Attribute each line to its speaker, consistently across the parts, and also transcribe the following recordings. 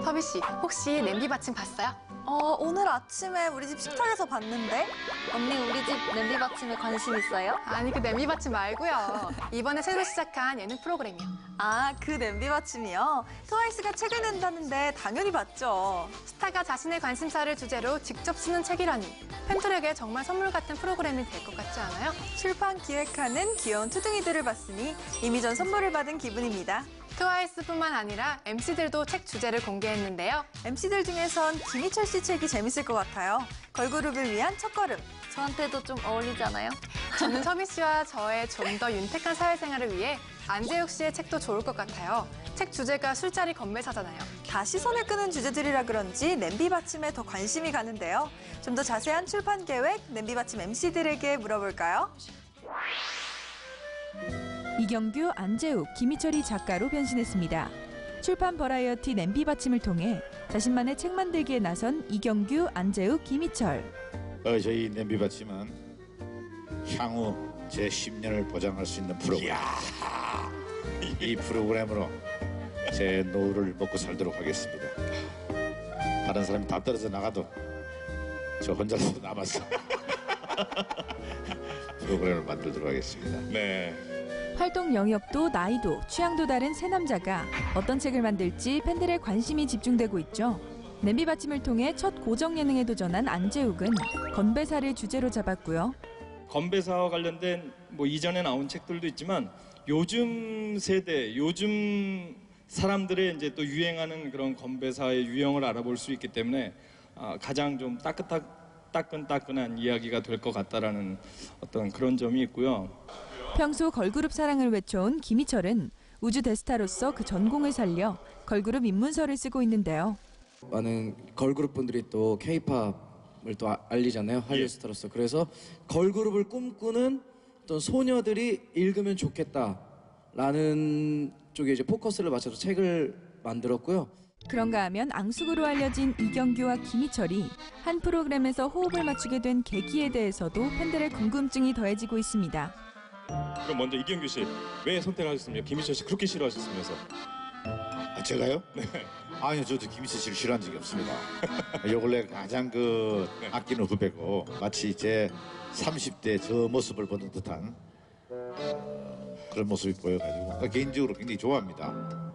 Speaker 1: 서비 씨, 혹시 냄비 받침 봤어요?
Speaker 2: 오늘 아침에 우리 집 식탁에서 봤는데?
Speaker 3: 언니 우리 집 냄비 받침에 관심 있어요?
Speaker 1: 아니, 그 냄비 받침 말고요. 이번에 새로 시작한 예능 프로그램이요.
Speaker 2: 아, 그 냄비 받침이요? 트와이스가 책을 낸다는데 당연히 봤죠.
Speaker 1: 스타가 자신의 관심사를 주제로 직접 쓰는 책이라니. 팬들에게 정말 선물 같은 프로그램이 될 것 같지 않아요?
Speaker 2: 출판 기획하는 귀여운 투둥이들을 봤으니 이미 전 선물을 받은 기분입니다.
Speaker 1: 트와이스뿐만 아니라 MC들도 책 주제를 공개했는데요.
Speaker 2: MC들 중에선 김희철 씨 책이 재밌을 것 같아요. 걸그룹을 위한 첫걸음.
Speaker 3: 저한테도 좀 어울리잖아요?
Speaker 1: 저는 서비 씨와 저의 좀 더 윤택한 사회생활을 위해 안재욱 씨의 책도 좋을 것 같아요. 책 주제가 술자리 건배사잖아요.
Speaker 2: 다 시선을 끄는 주제들이라 그런지 냄비 받침에 더 관심이 가는데요. 좀 더 자세한 출판 계획, 냄비 받침 MC들에게 물어볼까요?
Speaker 4: 이경규, 안재욱, 김희철이 작가로 변신했습니다. 출판 버라이어티 냄비 받침을 통해 자신만의 책 만들기에 나선 이경규, 안재욱, 김희철.
Speaker 5: 저희 냄비 받침은 향후 제 10년을 보장할 수 있는 프로그램. 이 프로그램으로 제 노후를 먹고 살도록 하겠습니다. 다른 사람이 다 떨어져 나가도 저 혼자서 남아서 프로그램을 만들도록 하겠습니다.
Speaker 6: 네.
Speaker 4: 활동 영역도 나이도 취향도 다른 세 남자가 어떤 책을 만들지 팬들의 관심이 집중되고 있죠. 냄비 받침을 통해 첫 고정 예능에 도전한 안재욱은 건배사를 주제로 잡았고요.
Speaker 6: 건배사와 관련된 뭐 이전에 나온 책들도 있지만 요즘 세대, 요즘 사람들의 이제 또 유행하는 그런 건배사의 유형을 알아볼 수 있기 때문에 가장 좀 따끈따끈한 이야기가 될 것 같다라는 어떤 그런 점이 있고요.
Speaker 4: 평소 걸그룹 사랑을 외쳐온 김희철은 우주 대스타로서 그 전공을 살려 걸그룹 입문서를 쓰고 있는데요.
Speaker 7: 많은 걸그룹 분들이 또 K-팝을 또 알리잖아요. 한류 스타로서. 그래서 걸그룹을 꿈꾸는 어떤 소녀들이 읽으면 좋겠다라는 쪽에 이제 포커스를 맞춰서 책을 만들었고요.
Speaker 4: 그런가 하면 앙숙으로 알려진 이경규와 김희철이 한 프로그램에서 호흡을 맞추게 된 계기에 대해서도 팬들의 궁금증이 더해지고 있습니다.
Speaker 6: 그럼 먼저 이경규 씨, 왜 선택하셨습니까? 김희철 씨 그렇게 싫어하셨으면서.
Speaker 5: 제가요? 네. 아니요, 저도 김희철 씨를 싫어한 적이 없습니다. 요 근래 가장 아끼는 후배고 마치 제 30대 저 모습을 보는 듯한 그런 모습이 보여가지고 개인적으로 굉장히 좋아합니다.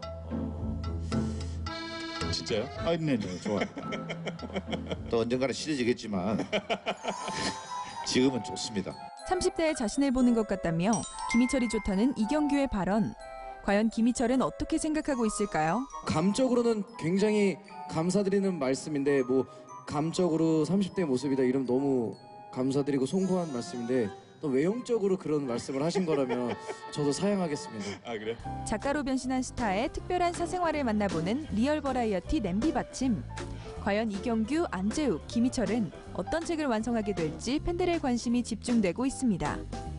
Speaker 6: 진짜요?
Speaker 5: 네, 좋아합니다. 또 언젠가는 싫어지겠지만 지금은 좋습니다.
Speaker 4: 30대의 자신을 보는 것 같다며 김희철이 좋다는 이경규의 발언. 과연 김희철은 어떻게 생각하고 있을까요?
Speaker 7: 감적으로는 굉장히 감사드리는 말씀인데 뭐 감적으로 30대의 모습이다 이러면 너무 감사드리고 송구한 말씀인데 또 외형적으로 그런 말씀을 하신 거라면 저도 사양하겠습니다.
Speaker 6: 아, 그래요?
Speaker 4: 작가로 변신한 스타의 특별한 사생활을 만나보는 리얼 버라이어티 냄비 받침. 과연 이경규, 안재욱, 김희철은 어떤 책을 완성하게 될지 팬들의 관심이 집중되고 있습니다.